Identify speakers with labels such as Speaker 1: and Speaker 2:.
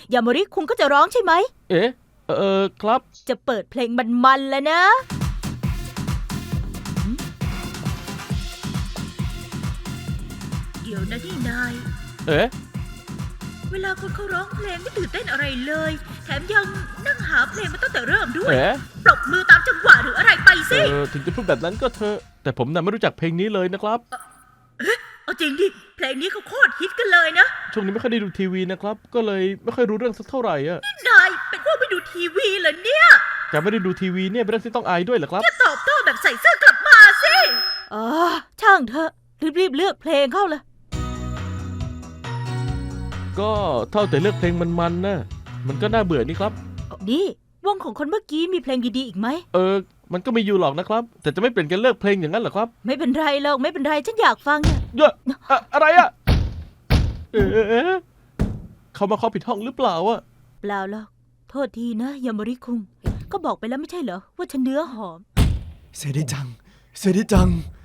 Speaker 1: ยาโมริคุงก็จะร้องใช่ไหม
Speaker 2: เอ๊ะครับ
Speaker 1: จะเปิดเพลงมันๆแล้วนะ
Speaker 3: เดี๋ยวนะนี่นาย
Speaker 2: เอ๊ะ
Speaker 3: เวลาคนเขาร้องเพลงไม่ตื่นเต้นอะไรเลย แถมยังนั่งหาเพลงมาตั้งแต่เริ่มด้วย
Speaker 2: เอ๊ะ
Speaker 3: ปรบมือตามจังหวะหรืออะไรไปสิ
Speaker 2: ถึงจะพูดแบบนั้นก็เถอะแต่ผมน่ะไม่รู้จักเพลงนี้เลยนะครับ
Speaker 3: เอาจริงดิ เพลงนี้เขาโคตรฮิตกันเลยนะ
Speaker 2: ช่วงนี้ไม่ค่อยได้ดูทีวีนะครับ ก็เลยไม่ค่อยรู้เรื่องสักเท่าไหร่อะ
Speaker 3: นายเป็นพวกไม่ดูทีวีเหรอเนี่ย
Speaker 2: แต่ไม่ได้ดูทีวีเนี่ยเป็นเรื่องที่ต้องอายด้วยเหรอครับ
Speaker 3: จะตอบโต้แบบใส่เสื้อกลับมาสิ
Speaker 1: อ๋อ ช่างเถอะ รีบๆเลือกเพลงเข้าเลย
Speaker 2: ก็เท่าแต่เลือกเพลงมันๆนะมันก็น่าเบื่อนี่ครับ
Speaker 1: นี่วงของคนเมื่อกี้มีเพลงดีๆอีกไหม
Speaker 2: มันก็มีอยู่หรอกนะครับ แต่จะไม่เปลี่ยนกันเลิกเพลงอย่างนั้นเหรอครับ
Speaker 1: ไม่เป็นไรหรอกไม่เป็นไรฉันอยากฟังเนี่ย
Speaker 2: เยอะอะไรอะเขามาเคาะผิดห้องหรือเปล่าอะ
Speaker 1: เปล่าหรอกโทษทีนะยาโมริคุงก็บอกไปแล้วไม่ใช่เหรอว่าฉันเนื้อหอม
Speaker 4: เซริจัง เซริจัง